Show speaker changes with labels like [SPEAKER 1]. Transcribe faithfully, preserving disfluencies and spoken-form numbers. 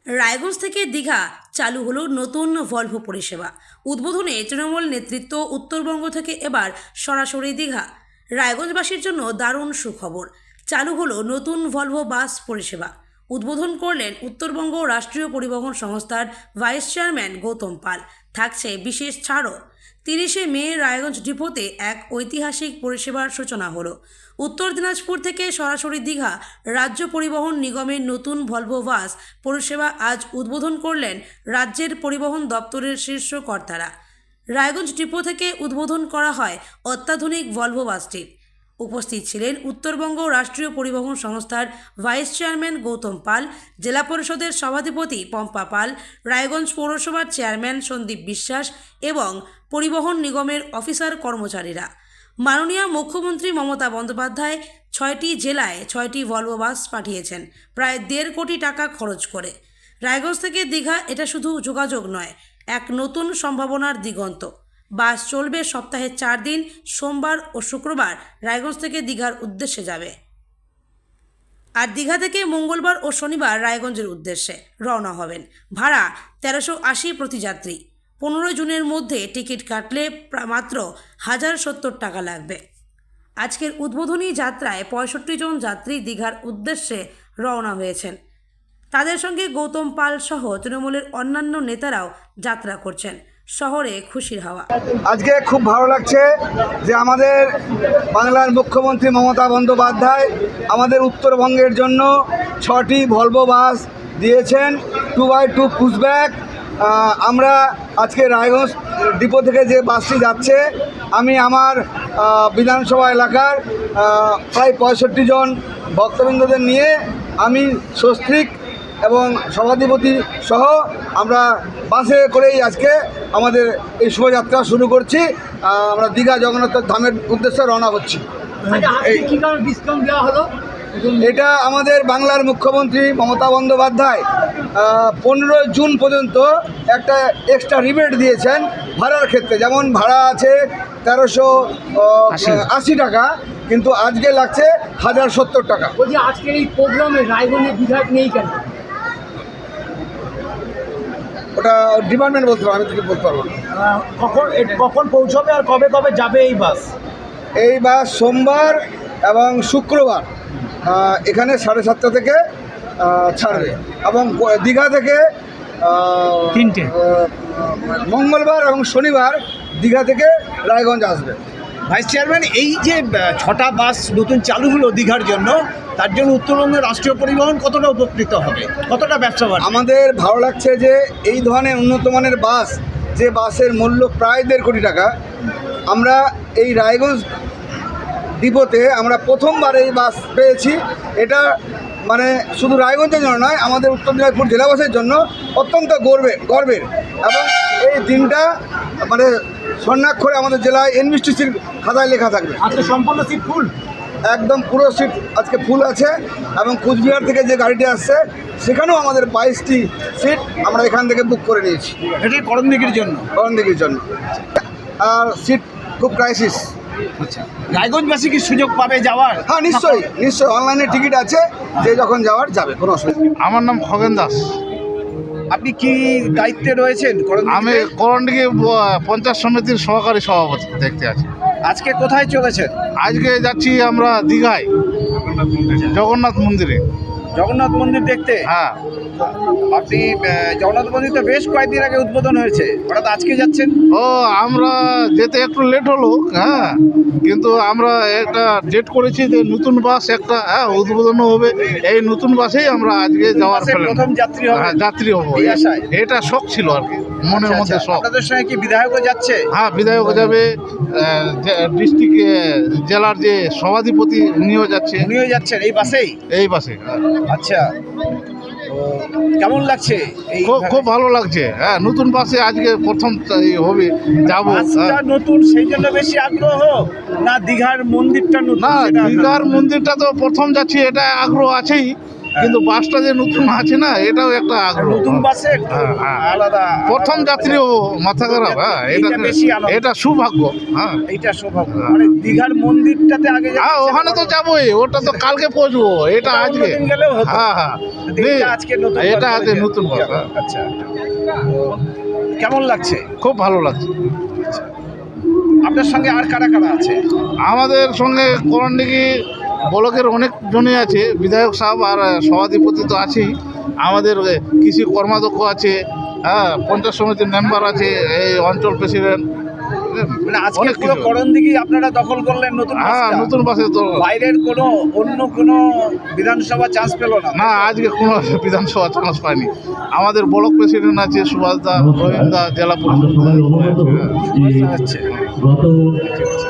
[SPEAKER 1] রায়গঞ্জ থেকে দীঘা চালু হলো নতুন ভলভো পরিষেবা। উদ্বোধনে তৃণমূল নেতৃত্ব। উত্তরবঙ্গ থেকে এবার সরাসরি দীঘা। রায়গঞ্জবাসীর জন্য দারুণ সুখবর, চালু হলো নতুন ভলভো বাস পরিষেবা। উদ্বোধন করলেন উত্তরবঙ্গ রাষ্ট্রীয় পরিবহন সংস্থার ভাইস চেয়ারম্যান গৌতম পাল। থাকছে বিশেষ ছাড়ও। তিরিশে মে রায়গঞ্জ ডিপোতে এক ঐতিহাসিক পরিষেবার সূচনা হলো। উত্তর দিনাজপুর থেকে সরাসরি দীঘা রাজ্য পরিবহন নিগমের নতুন ভলভো বাস পরিষেবা আজ উদ্বোধন করলেন রাজ্যের পরিবহন দপ্তরের শীর্ষ কর্তারা। রায়গঞ্জ ডিপো থেকে উদ্বোধন করা হয় অত্যাধুনিক ভলভো বাসটির। উপস্থিত ছিলেন উত্তরবঙ্গ রাষ্ট্রীয় পরিবহন সংস্থার ভাইস চেয়ারম্যান গৌতম পাল, জেলা পরিষদের সভাধিপতি পম্পা পাল, রায়গঞ্জ পৌরসভার চেয়ারম্যান সন্দীপ বিশ্বাস এবং পরিবহন নিগমের অফিসার কর্মচারীরা। মাননীয় মুখ্যমন্ত্রী মমতা বন্দ্যোপাধ্যায় ছয়টি জেলায় ছয়টি ভলভো বাস পাঠিয়েছেন প্রায় দেড় কোটি টাকা খরচ করে। রায়গঞ্জ থেকে দীঘা এটা শুধু যোগাযোগ নয়, এক নতুন সম্ভাবনার দিগন্ত। বাস চলবে সপ্তাহে চার দিন, সোমবার ও শুক্রবার রায়গঞ্জ থেকে দীঘার উদ্দেশ্যে যাবে, আর দীঘা থেকে মঙ্গলবার ও শনিবার রায়গঞ্জের উদ্দেশ্যে রওনা হবেন। ভাড়া তেরোশো আশি প্রতি যাত্রী। পনেরোই জুনের মধ্যে টিকিট কাটলে মাত্র হাজার সত্তর টাকা লাগবে। আজকের উদ্বোধনী যাত্রায় পঁয়ষট্টি জন যাত্রী দীঘার উদ্দেশ্যে রওনা হয়েছেন। তাদের সঙ্গে গৌতম পাল সহ তৃণমূলের অন্যান্য নেতারাও যাত্রা করছেন। শহরে খুশির হাওয়া।
[SPEAKER 2] আজকে খুব ভালো লাগছে যে আমাদের বাংলার মুখ্যমন্ত্রী মমতা বন্দ্যোপাধ্যায় আমাদের উত্তরবঙ্গের জন্য ছটি ভলভো বাস দিয়েছেন, টু বাই টু পুশব্যাক। আমরা আজকে রায়গঞ্জ ডিপো থেকে যে বাসটি যাচ্ছে, আমি আমার বিধানসভা এলাকার প্রায় পঁয়ষট্টি জন ভক্তবৃন্দদের নিয়ে আমি সস্ত্রীক এবং সভাধিপতি সহ আমরা বাসে করেই আজকে আমাদের এই শোভাযাত্রা শুরু করছি। আমরা দীঘা জগন্নাথ ধামের উদ্দেশ্যে রওনা হচ্ছি।
[SPEAKER 3] ডিসকাউন্ট দেওয়া হলো?
[SPEAKER 2] এটা আমাদের বাংলার মুখ্যমন্ত্রী মমতা বন্দ্যোপাধ্যায় পনেরোই জুন পর্যন্ত একটা এক্সট্রা রিবেট দিয়েছেন ভাড়ার ক্ষেত্রে। যেমন ভাড়া আছে তেরোশো আশি টাকা, কিন্তু আজকে লাগছে হাজার সত্তর টাকা।
[SPEAKER 3] বলছি আজকের এই প্রোগ্রামে রায়গঞ্জের বিধায়ক নেই কেন?
[SPEAKER 2] ওটা ডিপার্টমেন্ট বলতে পারবো, আমি কিছু বলতে পারবো না।
[SPEAKER 3] কখন কখন পৌঁছবে আর কবে কবে যাবে এই বাস?
[SPEAKER 2] এই বাস সোমবার এবং শুক্রবার এখানে সাড়ে সাতটা থেকে ছাড়বে, এবং দীঘা থেকে
[SPEAKER 3] তিনটে
[SPEAKER 2] মঙ্গলবার এবং শনিবার দীঘা থেকে রায়গঞ্জ আসবে।
[SPEAKER 4] ভাইস চেয়ারম্যান, এই যে ছটা বাস নতুন চালু হলো দীঘার জন্য, তার জন্য উত্তরবঙ্গের রাষ্ট্রীয় পরিবহন কতটা উপকৃত হবে, কতটা ব্যবসা বাড়বে?
[SPEAKER 2] আমাদের ভালো লাগছে যে এই ধরনের উন্নত মানের বাস, যে বাসের মূল্য প্রায় দেড় কোটি টাকা, আমরা এই রায়গঞ্জ ডিপোতে আমরা প্রথমবার এই বাস পেয়েছি। এটা মানে শুধু রায়গঞ্জের জন্য নয়, আমাদের উত্তর দিনাজপুর জেলাবাসীর জন্য অত্যন্ত গর্বের গর্বের এবং এই দিনটা মানে স্বর্ণাক্ষরে আমাদের জেলায় এনবিএসটিসির খাতায় লেখা থাকবে।
[SPEAKER 3] আজকে সম্পূর্ণ সিট ফুল,
[SPEAKER 2] একদম পুরো সিট আজকে ফুল আছে, এবং কুচবিহার থেকে যে গাড়িটি আসছে সেখানেও আমাদের বাইশটি সিট আমরা এখান থেকে বুক করে নিয়েছি।
[SPEAKER 4] এটা করণদিঘির জন্য
[SPEAKER 2] করণদিঘির জন্য আর সিট খুব ক্রাইসিস।
[SPEAKER 4] আচ্ছা, রায়গঞ্জবাসী কি সুযোগ পাবে যাওয়ার?
[SPEAKER 2] হ্যাঁ, নিশ্চয়ই নিশ্চয়ই অনলাইনে টিকিট আছে, যে যখন যাওয়ার যাবে, কোনো অসুবিধা নেই।
[SPEAKER 5] আমার নাম খগেন দাস।
[SPEAKER 4] আপনি কি দায়িত্বে রয়েছেন?
[SPEAKER 5] আমি করণদিঘি পঞ্চায়েত সমিতির সহকারী সভাপতি দেখতে আছি।
[SPEAKER 4] আজকে কোথায় চলেছেন?
[SPEAKER 5] আজকে যাচ্ছি আমরা দীঘায় জগন্নাথ মন্দিরে।
[SPEAKER 4] জগন্নাথ মন্দির দেখতে?
[SPEAKER 5] হ্যাঁ।
[SPEAKER 4] আপনি জগন্নাথ মন্দির তো বেশ কয়েকদিন আগে উদ্বোধন হয়েছে, হঠাৎ আজকে যাচ্ছেন?
[SPEAKER 5] ও, আমরা যেতে একটু লেট হলো, হ্যাঁ, কিন্তু আমরা একটা ডেট করেছি যে নতুন বাস একটা হ্যাঁ উদ্বোধন হবে। এই নতুন বাসেই আমরা আজকে যাওয়ার
[SPEAKER 4] বাসের প্রথম যাত্রী হবে?
[SPEAKER 5] হ্যাঁ, যাত্রী হবো।
[SPEAKER 4] এই আশায়?
[SPEAKER 5] এটা শখ ছিল আর কি, মনের মধ্যে শখ।
[SPEAKER 4] আপনাদের সঙ্গে কি বিধায়কও যাচ্ছে?
[SPEAKER 5] হ্যাঁ, বিধায়ক যাবে, ডিস্ট্রিক্ট জেলার যে সভাধিপতি উনিও যাচ্ছে।
[SPEAKER 4] উনিও যাচ্ছেন এই বাসেই?
[SPEAKER 5] এই বাসে।
[SPEAKER 4] আচ্ছা, কেমন লাগছে?
[SPEAKER 5] খুব খুব ভালো লাগছে। হ্যাঁ, নতুন বাসে আজকে প্রথম হবে, যাবো।
[SPEAKER 4] নতুন সেই জন্য বেশি আগ্রহ, না দীঘার মন্দিরটা নতুন?
[SPEAKER 5] না, দীঘার মন্দিরটা তো প্রথম যাচ্ছি, এটা আগ্রহ আছেই, কিন্তু বাসটা যে নতুন আছে না এটাও একটা আগ্রহ।
[SPEAKER 4] নতুন বাসে একটু
[SPEAKER 5] হ্যাঁ, হ্যাঁ।
[SPEAKER 4] আলাদা
[SPEAKER 5] প্রথম যাত্রীও মাথা খারাপ, হ্যাঁ এটা
[SPEAKER 4] এইটা বেশি আনন্দ।
[SPEAKER 5] এটা সৌভাগ্য। হ্যাঁ
[SPEAKER 4] এইটা সৌভাগ্য। মানে দীঘার মন্দিরটাতে আগে যেতে
[SPEAKER 5] হ্যাঁ ওখানে তো যাবোই, ওটা তো কালকে পৌঁছবো, এটা
[SPEAKER 4] ওটা
[SPEAKER 5] আজকে।
[SPEAKER 4] অন্যদিন গেলেও হতো।
[SPEAKER 5] হ্যাঁ হ্যাঁ
[SPEAKER 4] এইটা আজকে নতুন
[SPEAKER 5] এটা
[SPEAKER 4] বাস
[SPEAKER 5] আজকে
[SPEAKER 4] বলে
[SPEAKER 5] নতুন বাস, হ্যাঁ।
[SPEAKER 4] আচ্ছা তো কেমন লাগছে?
[SPEAKER 5] খুব ভালো লাগছে।
[SPEAKER 4] আপনার সঙ্গে আর কারা কারা আছে?
[SPEAKER 5] আমাদের সঙ্গে করণডিঘি ব্লকের অনেক জনই আছে, বিধায়ক সাহেব আর সভাধিপতি তো আছেই, আমাদের কৃষি কর্মাধ্যক্ষ আছে, হ্যাঁ পঞ্চায়েত সমিতির মেম্বার আছে, এই অঞ্চল প্রেসিডেন্ট,
[SPEAKER 4] মানে আজকে
[SPEAKER 5] অনেক
[SPEAKER 4] পুরো
[SPEAKER 5] কিছু।
[SPEAKER 4] করণদিঘি আপনারা দখল করলেন নতুন
[SPEAKER 5] হ্যাঁ
[SPEAKER 4] বাসটা।
[SPEAKER 5] নতুন বাসে তো
[SPEAKER 4] বাইরের কোনো অন্য কোনো বিধানসভা চান্স পেল না?
[SPEAKER 5] না, আজকে কোনো বিধানসভা চান্স পায়নি। আমাদের ব্লক প্রেসিডেন্ট আছে সুভাষ দা, রহিম দা, জেলা পরিষদ।
[SPEAKER 4] আচ্ছা।
[SPEAKER 6] গত
[SPEAKER 4] ঠিক আছে।